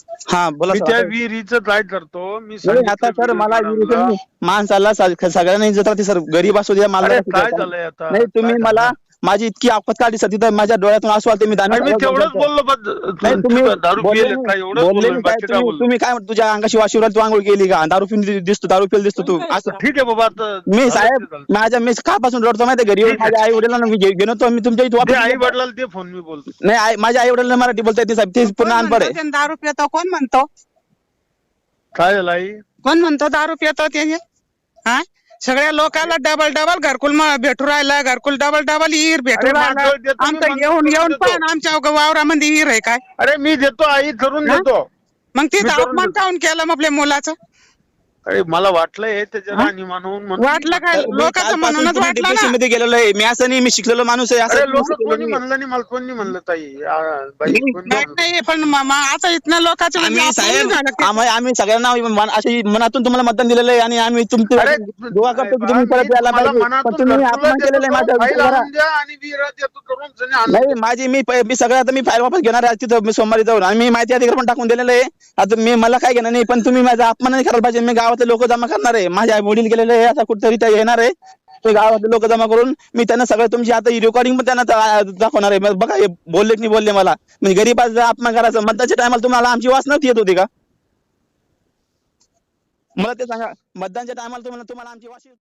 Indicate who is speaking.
Speaker 1: हा बोला
Speaker 2: मी
Speaker 1: सर.
Speaker 2: त्या
Speaker 1: आता-
Speaker 2: विहिरीचं काय करतो, मी
Speaker 1: नाही,
Speaker 2: सांगितलं
Speaker 1: आता सर मला
Speaker 2: मॅडमला.
Speaker 1: माणसाला सगळ्यांना इज्जत राहते सर, गरीब असू द्या
Speaker 2: अरे
Speaker 1: मालदार असू
Speaker 2: काय
Speaker 1: द्या.
Speaker 2: झालंय आता,
Speaker 1: नाही तुम्ही
Speaker 2: काय
Speaker 1: मला
Speaker 2: झालं?
Speaker 1: माझी इतकी आपत काढली सर, तिथं माझ्या डोळ्यातून आसू आलते, मी दानवे
Speaker 2: अरे मी
Speaker 1: साहेबांना
Speaker 2: तेवढंच
Speaker 1: बोलतो.
Speaker 2: बोललो,
Speaker 1: नाही तुम्ही
Speaker 2: दारू
Speaker 1: बोलले
Speaker 2: पिले
Speaker 1: नाही,
Speaker 2: काय, एवढंच
Speaker 1: बोलले
Speaker 2: बोललो मी,
Speaker 1: नाही काय
Speaker 2: बाकी काय
Speaker 1: तुम्ही
Speaker 2: बोललो?
Speaker 1: तुम्ही काय म्हणता, तुझ्या अंगाशी वाशिवरात तू आंघोळ केली का, दारू पिऊन दिसतो, दारू पिऊन दिसतो तू असं.
Speaker 2: ठीक आहे बाबा, आता
Speaker 1: मी
Speaker 2: झालं
Speaker 1: साहेब
Speaker 2: ते झालं.
Speaker 1: माझ्या मी कापासून रडतो माहिती घरी येऊन,
Speaker 2: ठीक आहे.
Speaker 1: माझ्या आई वडिलांना मी घेऊन येतो, मी तुमच्या इथे
Speaker 2: दे
Speaker 1: वापस
Speaker 2: आई
Speaker 1: येतो.
Speaker 2: वडिलांना दे फोन, मी बोलतो.
Speaker 1: नाही माझ्या आई वडिलांना मराठी बोलता येते साहेब, ते पूर्ण अनपढ आहे.
Speaker 3: दारू पितो कोण म्हणतो?
Speaker 2: काय झालं आई?
Speaker 3: कोण म्हणतो दारू पितो त्याने? हा, सगळ्या लोकांना डबल डबल घरकुल भेटू राहिला, घरकुल डबल डबल हिर भेटू
Speaker 2: अरे
Speaker 3: राहिला.
Speaker 2: मागं देतो मी,
Speaker 3: आमचं
Speaker 2: मागं
Speaker 3: येऊन
Speaker 2: करून
Speaker 3: येऊन
Speaker 2: देतो.
Speaker 3: पण आमच्या वावरामध्ये हिर आहे काय?
Speaker 2: अरे मी देतो आई, करून
Speaker 3: हा?
Speaker 2: देतो.
Speaker 3: मग
Speaker 2: मी
Speaker 3: तिथं
Speaker 2: करून
Speaker 3: अपमान
Speaker 2: देतो.
Speaker 3: काऊन केलं मग आपल्या मुलाचं?
Speaker 2: अरे मला वाटलंय त्याच्या
Speaker 3: हा?
Speaker 2: राणी म्हणून
Speaker 3: वाटलं काय?
Speaker 1: मी
Speaker 3: लोकांचं
Speaker 1: कालपासून
Speaker 3: म्हणूनच
Speaker 1: तुम्ही
Speaker 3: वाटलं
Speaker 1: डिप्रेशन
Speaker 3: ना.
Speaker 1: मध्ये गेलेलो आहे, मी असं नाही, मी शिकलेलो माणूस आहे,
Speaker 2: अरे
Speaker 1: असं
Speaker 2: लोक
Speaker 1: केलं
Speaker 2: कोणी
Speaker 1: नाही.
Speaker 2: म्हणलं नाही, मला कोणी म्हणलं ताई, बाई कोणी
Speaker 3: नाही
Speaker 2: म्हणलं?
Speaker 3: नाही, पण आता इथनं लोकांचं म्हणजे
Speaker 1: आम्ही
Speaker 3: अपमान
Speaker 1: साहेब
Speaker 3: नाही झालं का?
Speaker 1: आम्ही सगळ्यांना अशी मनातून तुम्हाला मतदान दिलेलं आहे, आणि आम्ही तुमचे
Speaker 2: अरे
Speaker 1: दुआ करतो की
Speaker 2: बा,
Speaker 1: तुम्ही
Speaker 2: मी
Speaker 1: परत यायला
Speaker 2: तुम्हाला
Speaker 1: पाहिजे, पण
Speaker 2: मनातून
Speaker 1: तुम्ही
Speaker 2: घरकुलं
Speaker 1: अपमान
Speaker 2: देतो,
Speaker 1: केलेलं आहे
Speaker 2: करून
Speaker 1: माझ्या
Speaker 2: फाईल
Speaker 1: विचारा.
Speaker 2: आणून द्या आणि विरा देतो, करून जणी आणून
Speaker 1: नाही
Speaker 2: द्या.
Speaker 1: माझी मी सगळं आता मी फाईल वापस घेणार आहे तिथं, मी सोमवारी जाऊन, आणि मी माहिती अधिकार पण टाकून दिलेलं आहे. आता मला काय घेणार नाही, पण तुम्ही माझा अपमान नाही करायला पाहिजे. मी गावातले लोक जमा करणार आहे, माझे आई वडील गेलेले आहे, आता कुठेतरी ते येणार आहे, ते गावातले लोक जमा करून मी त्यांना सगळं तुमची आता रेकॉर्डिंग पण त्यांना दाखवणार आहे. बघा हे बोलले की नाही बोलले मला, म्हणजे गरीबाचा अपमान करायचं. मतदानच्या टायमाला तुम्हाला आमची वास नव्हती येत होती का? मला ते सांगा, मतदानच्या टायमाला तुम्हाला आमची वास